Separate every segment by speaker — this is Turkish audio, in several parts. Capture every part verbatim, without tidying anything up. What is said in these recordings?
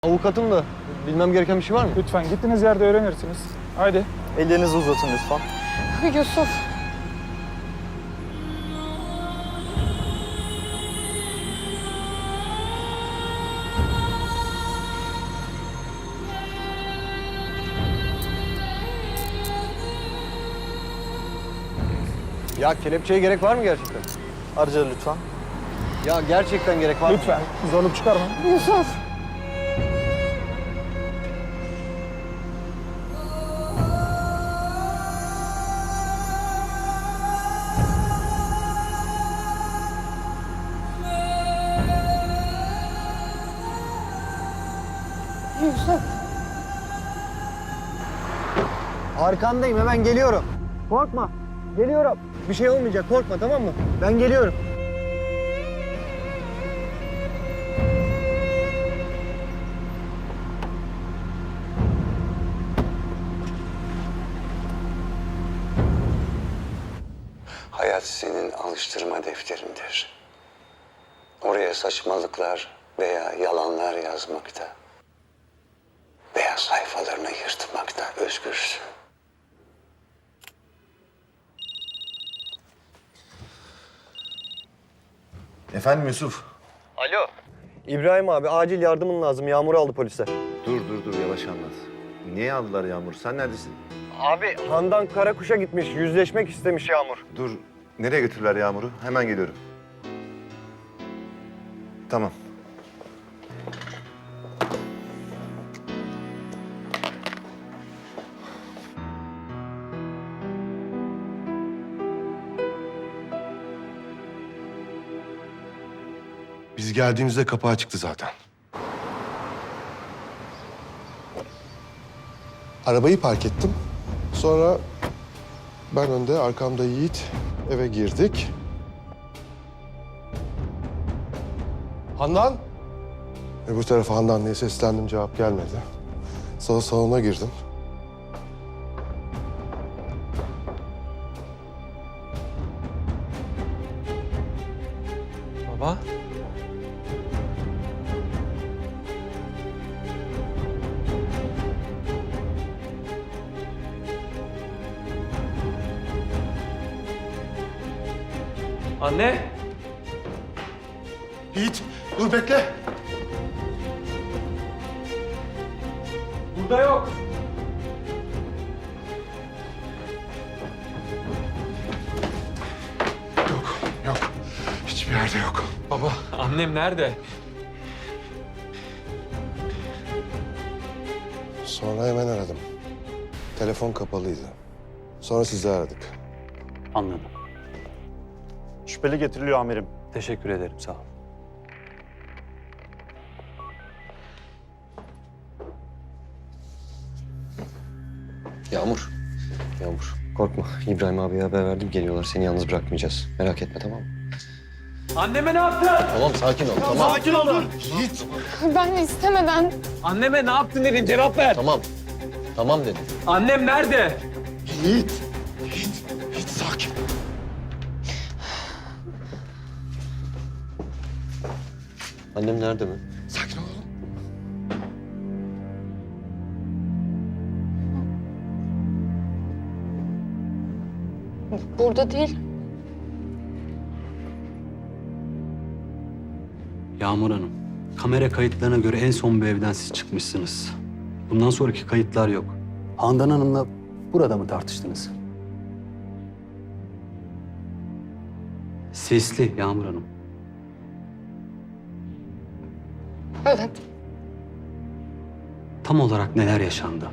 Speaker 1: Avukatım da bilmem gereken bir şey var mı?
Speaker 2: Lütfen gittiğiniz yerde öğrenirsiniz. Haydi.
Speaker 3: Ellerinizi uzatın lütfen.
Speaker 4: Yusuf.
Speaker 1: Ya kelepçeye gerek var mı gerçekten?
Speaker 3: Arıca lütfen.
Speaker 1: Ya gerçekten gerek var mı?
Speaker 2: Lütfen. Zorluk çıkarma.
Speaker 4: Yusuf. Yusuf.
Speaker 1: Arkandayım, hemen geliyorum. Korkma, geliyorum. Bir şey olmayacak, korkma, tamam mı? Ben geliyorum.
Speaker 5: Hayat senin alıştırma defterindir. Oraya saçmalıklar veya yalanlar yazmakta veya sayfalarını yırtmakta özgürsün.
Speaker 6: Efendim Yusuf?
Speaker 1: Alo. İbrahim abi, acil yardımın lazım. Yağmur aldı polisler.
Speaker 6: Dur dur dur yavaş anlat. Niye aldılar Yağmur? Sen neredesin?
Speaker 1: Abi, Handan Karakuş'a gitmiş, yüzleşmek istemiş Yağmur.
Speaker 6: Dur. Nereye götürdüler Yağmur'u? Hemen geliyorum. Tamam.
Speaker 7: Biz geldiğimizde kapı açıktı zaten. Arabayı park ettim. Sonra ben önde, arkamda Yiğit. Eve girdik. Handan? Öbür tarafa Handan diye seslendim, cevap gelmedi. Sonra salona girdim.
Speaker 8: Baba. Anne.
Speaker 7: Yiğit, dur bekle.
Speaker 8: Burada yok.
Speaker 7: Yok, yok. Hiçbir yerde yok.
Speaker 8: Baba, annem nerede?
Speaker 7: Sonra hemen aradım. Telefon kapalıydı. Sonra sizi aradık.
Speaker 3: Anladım. Şüpheli getiriliyor amirim.
Speaker 8: Teşekkür ederim, sağ ol.
Speaker 1: Yağmur, Yağmur. Korkma, İbrahim abiye haber verdim. Geliyorlar, seni yalnız bırakmayacağız. Merak etme, tamam mı?
Speaker 8: Anneme ne yaptın?
Speaker 1: Tamam, sakin ol, tamam.
Speaker 8: Sakin ol dur.
Speaker 7: Yiğit!
Speaker 4: Ben istemeden.
Speaker 8: Anneme ne yaptın dedim, cevap ver.
Speaker 1: Tamam, tamam dedim.
Speaker 8: Annem nerede?
Speaker 7: Yiğit! Yiğit! Yiğit sakin.
Speaker 1: Annem nerede mi?
Speaker 7: Sakin ol oğlum.
Speaker 4: Burada değil.
Speaker 9: Yağmur Hanım, kamera kayıtlarına göre en son bu evden siz çıkmışsınız. Bundan sonraki kayıtlar yok. Handan Hanım'la burada mı tartıştınız? Sesli Yağmur Hanım.
Speaker 4: Evet.
Speaker 9: Tam olarak neler yaşandı?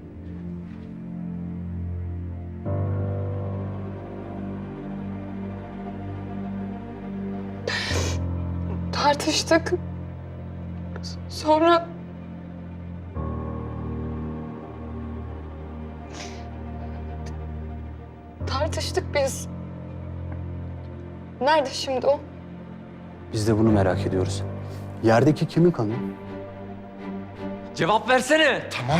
Speaker 4: Tartıştık. Sonra... Tartıştık biz. Nerede şimdi o?
Speaker 9: Biz de bunu merak ediyoruz. Yerdeki kimin kanı?
Speaker 8: Cevap versene.
Speaker 7: Tamam.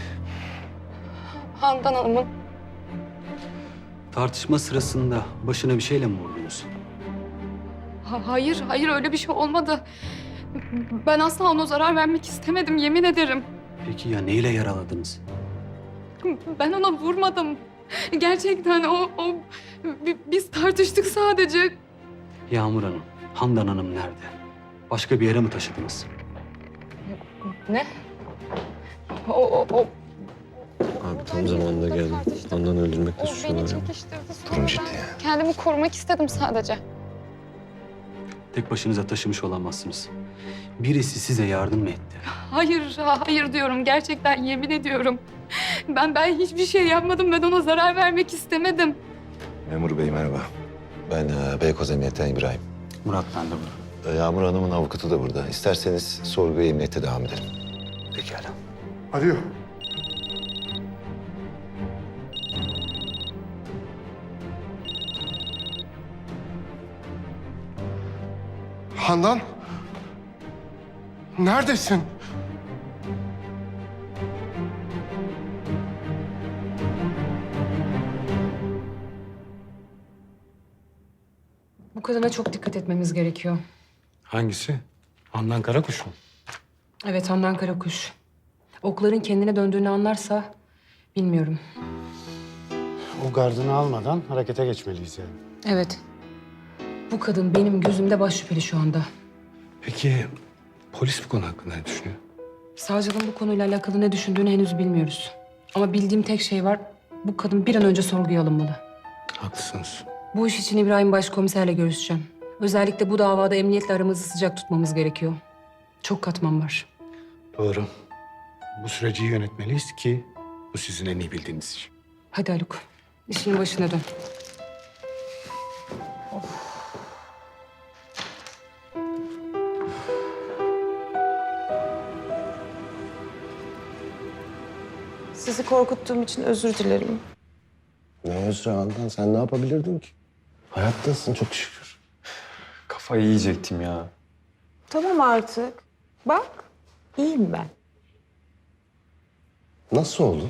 Speaker 4: Handan Hanım'ın.
Speaker 9: Tartışma sırasında başına bir şeyle mi vurdunuz?
Speaker 4: Ha- hayır, hayır öyle bir şey olmadı. Ben asla ona zarar vermek istemedim, yemin ederim.
Speaker 9: Peki ya neyle yaraladınız?
Speaker 4: Ben ona vurmadım. Gerçekten o, o... bi- Biz tartıştık sadece.
Speaker 9: Yağmur Hanım, Handan Hanım nerede? Başka bir yere mi taşıdınız?
Speaker 4: Ne? O, o, o...
Speaker 6: Abi tam zamanında geldim. Handan'ı öldürmekle
Speaker 4: O beni
Speaker 6: suçluyorlar ya.
Speaker 4: çekiştirdi. Sonra
Speaker 6: Durum ciddi
Speaker 4: ben
Speaker 6: yani.
Speaker 4: kendimi korumak istedim sadece.
Speaker 9: Tek başınıza taşımış olamazsınız. Birisi size yardım mı etti?
Speaker 4: Hayır, hayır diyorum. Gerçekten yemin ediyorum. Ben ben hiçbir şey yapmadım. Ben ona zarar vermek istemedim.
Speaker 6: Memur bey merhaba. Ben e, Beykoz Emniyet'ten İbrahim.
Speaker 9: Murat ben de burada.
Speaker 6: E, Yağmur Hanım'ın avukatı da burada. İsterseniz sorguya emniyette devam edelim.
Speaker 9: Pekala.
Speaker 7: Arıyor. Handan? Neredesin?
Speaker 10: Bu kadına çok dikkat etmemiz gerekiyor.
Speaker 11: Hangisi? Handan Karakuş mu?
Speaker 10: Evet, Handan Karakuş. Okların kendine döndüğünü anlarsa bilmiyorum.
Speaker 11: O gardını almadan harekete geçmeliyiz yani.
Speaker 10: Evet. Bu kadın benim gözümde baş şüpheli şu anda.
Speaker 11: Peki polis bu konu hakkında ne düşünüyor?
Speaker 10: Savcılığın bu konuyla alakalı ne düşündüğünü henüz bilmiyoruz. Ama bildiğim tek şey var. Bu kadın bir an önce sorguya alınmalı.
Speaker 11: Haklısınız.
Speaker 10: Bu iş için İbrahim Başkomiserle görüşeceğim. Özellikle bu davada emniyetle aramızı sıcak tutmamız gerekiyor. Çok katman var.
Speaker 11: Doğru. Bu süreci iyi yönetmeliyiz ki bu sizin en iyi bildiğiniz iş.
Speaker 10: Hadi Haluk, işinin başına dön.
Speaker 12: Sizi korkuttuğum için özür dilerim.
Speaker 6: Ne özrü Handan? Sen ne yapabilirdin ki? Hayattasın çok şükür.
Speaker 8: Kafayı yiyecektim ya.
Speaker 12: Tamam artık. Bak, iyiyim ben.
Speaker 6: Nasıl oldu?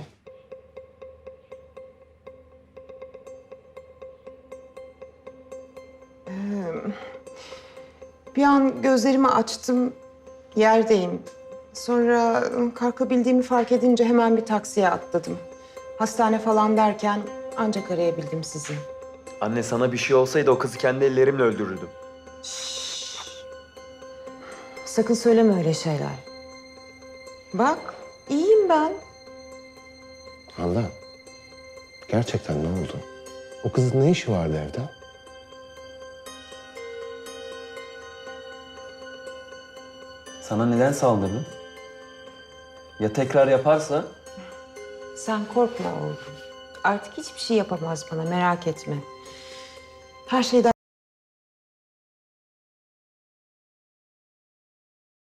Speaker 12: Bir an gözlerimi açtım, yerdeyim. Sonra kalkabildiğimi fark edince hemen bir taksiye atladım. Hastane falan derken ancak arayabildim sizi.
Speaker 8: Anne sana bir şey olsaydı o kızı kendi ellerimle öldürürdüm.
Speaker 12: Sakın söyleme öyle şeyler. Bak, iyiyim ben.
Speaker 6: Handan, gerçekten ne oldu? O kızın ne işi vardı evde?
Speaker 8: Sana neden saldırdın? Ya tekrar yaparsa?
Speaker 12: Sen korkma oğlum. Artık hiçbir şey yapamaz bana, merak etme. Her şeyden